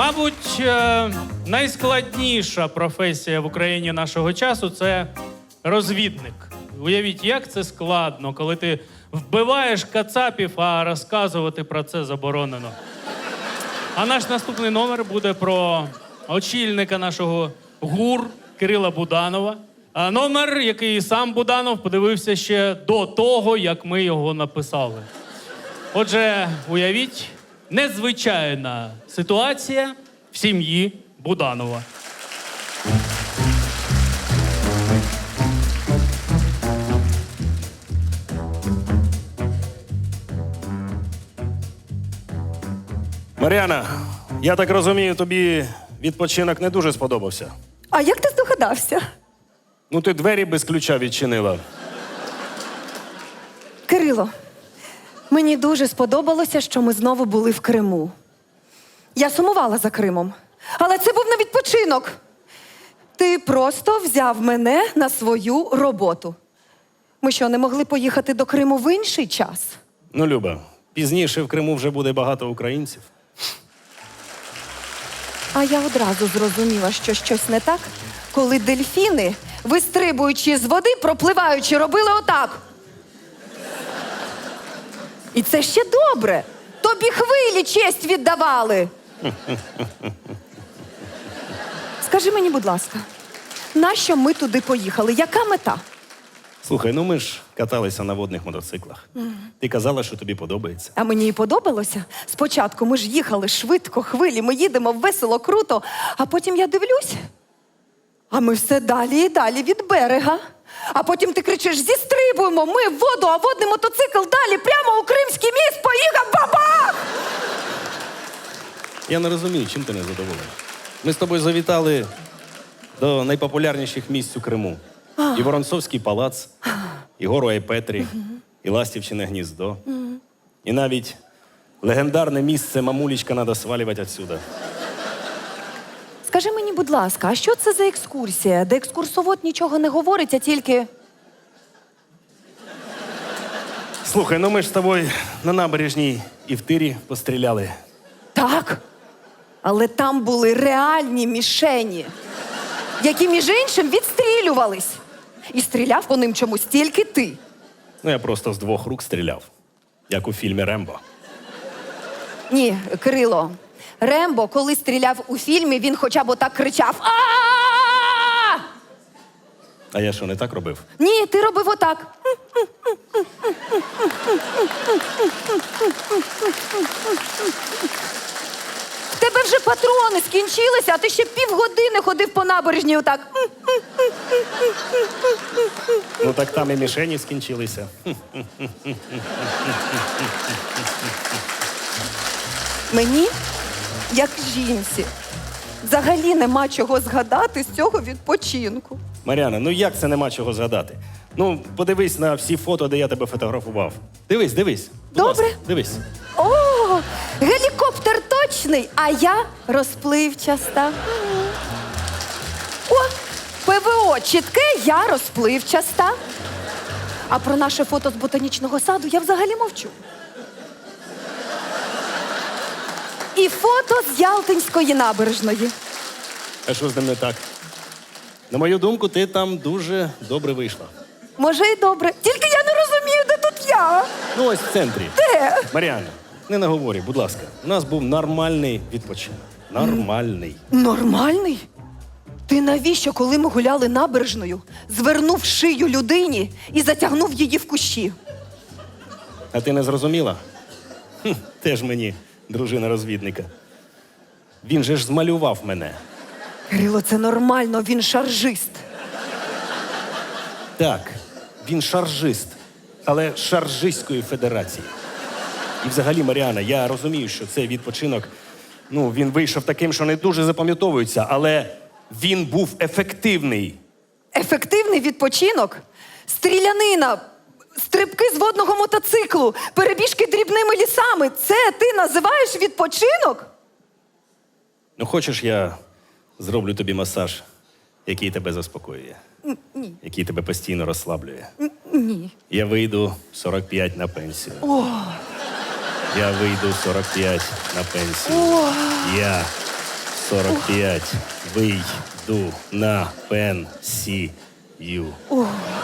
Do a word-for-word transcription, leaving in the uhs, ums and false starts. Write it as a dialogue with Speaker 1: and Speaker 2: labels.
Speaker 1: Мабуть, е, найскладніша професія в Україні нашого часу – це розвідник. Уявіть, як це складно, коли ти вбиваєш кацапів, а розказувати про це заборонено. А наш наступний номер буде про очільника нашого ГУР Кирила Буданова. А номер, який сам Буданов подивився ще до того, як ми його написали. Отже, уявіть, незвичайна ситуація в сім'ї Буданова.
Speaker 2: Мар'яна, я так розумію, тобі відпочинок не дуже сподобався.
Speaker 3: А як ти здогадався?
Speaker 2: Ну, ти двері без ключа відчинила.
Speaker 3: Кирило, мені дуже сподобалося, що ми знову були в Криму. Я сумувала за Кримом, але це був не відпочинок. Ти просто взяв мене на свою роботу. Ми що, не могли поїхати до Криму в інший час?
Speaker 2: Ну, Люба, пізніше в Криму вже буде багато українців.
Speaker 3: А я одразу зрозуміла, що щось не так, коли дельфіни, вистрибуючи з води, пропливаючи, робили отак. І це ще добре. Тобі хвилі честь віддавали. Скажи мені, будь ласка, нащо ми туди поїхали? Яка мета?
Speaker 2: Слухай, ну ми ж каталися на водних мотоциклах. Ти казала, що тобі подобається.
Speaker 3: А мені і подобалося. Спочатку ми ж їхали швидко, хвилі, ми їдемо весело, круто, а потім я дивлюсь, а ми все далі і далі від берега. А потім ти кричиш: зістрибуємо, ми в воду, а водний мотоцикл далі, прямо у Кримський міст, поїхав, бабах!
Speaker 2: Я не розумію, чим ти не задоволена. Ми з тобою завітали до найпопулярніших місць у Криму. І Воронцовський палац, і гору Айпетрі, і Ластівчине гніздо. І навіть легендарне місце «Мамулечка, надо свалювати отсюда».
Speaker 3: Скажи мені, будь ласка, а що це за екскурсія, де екскурсовод нічого не говорить, а тільки...
Speaker 2: Слухай, ну ми ж з тобою на набережній і в тирі постріляли.
Speaker 3: Так, але там були реальні мішені, які, між іншим, відстрілювались. І стріляв по ним чомусь тільки ти.
Speaker 2: Ну, я просто з двох рук стріляв, як у фільмі «Рембо».
Speaker 3: Ні, Кирило, Рембо, коли стріляв у фільмі, він хоча б отак кричав: а
Speaker 2: А я що, не так робив?
Speaker 3: Ні, ти робив отак. В тебе вже патрони скінчилися, а ти ще півгодини ходив по набережній отак.
Speaker 2: Ну так там і мішені скінчилися.
Speaker 3: Мені, як жінці, взагалі нема чого згадати з цього відпочинку.
Speaker 2: Мар'яна, ну як це нема чого згадати? Ну, подивись на всі фото, де я тебе фотографував. Дивись, дивись. Будь
Speaker 3: Добре.
Speaker 2: ласка, дивись.
Speaker 3: О, гелікоптер точний, а я розпливчаста. О, ПВО чітке, я розпливчаста. А про наше фото з ботанічного саду я взагалі мовчу. І фото з Ялтинської набережної.
Speaker 2: А що з ним не так? На мою думку, ти там дуже добре вийшла.
Speaker 3: Може, і добре. Тільки я не розумію, де тут я.
Speaker 2: Ну, ось в центрі.
Speaker 3: Де?
Speaker 2: Мар'яна, не наговорюй, будь ласка. У нас був нормальний відпочинок. Нормальний.
Speaker 3: Нормальний? Ти навіщо, коли ми гуляли набережною, звернув шию людині і затягнув її в кущі?
Speaker 2: А ти не зрозуміла? Хм, теж мені дружина розвідника. Він же ж змалював мене.
Speaker 3: Кирило, це нормально, він шаржист.
Speaker 2: Так, він шаржист, але шаржистської федерації. І взагалі, Мар'яна, я розумію, що цей відпочинок, ну, він вийшов таким, що не дуже запам'ятовується, але він був ефективний.
Speaker 3: Ефективний відпочинок? Стрілянина, стрибки з водного мотоциклу, перебіжки дрібними лісами. Це ти називаєш відпочинок?
Speaker 2: Ну, хочеш, я зроблю тобі масаж, який тебе заспокоює?
Speaker 3: Ні.
Speaker 2: Який тебе постійно розслаблює?
Speaker 3: Ні.
Speaker 2: Я вийду сорок п'ять на пенсію.
Speaker 3: О,
Speaker 2: Я вийду сорок п'ять на пенсію.
Speaker 3: о,
Speaker 2: Я сорок п'ять. Вийду на пенсію.
Speaker 3: Ух.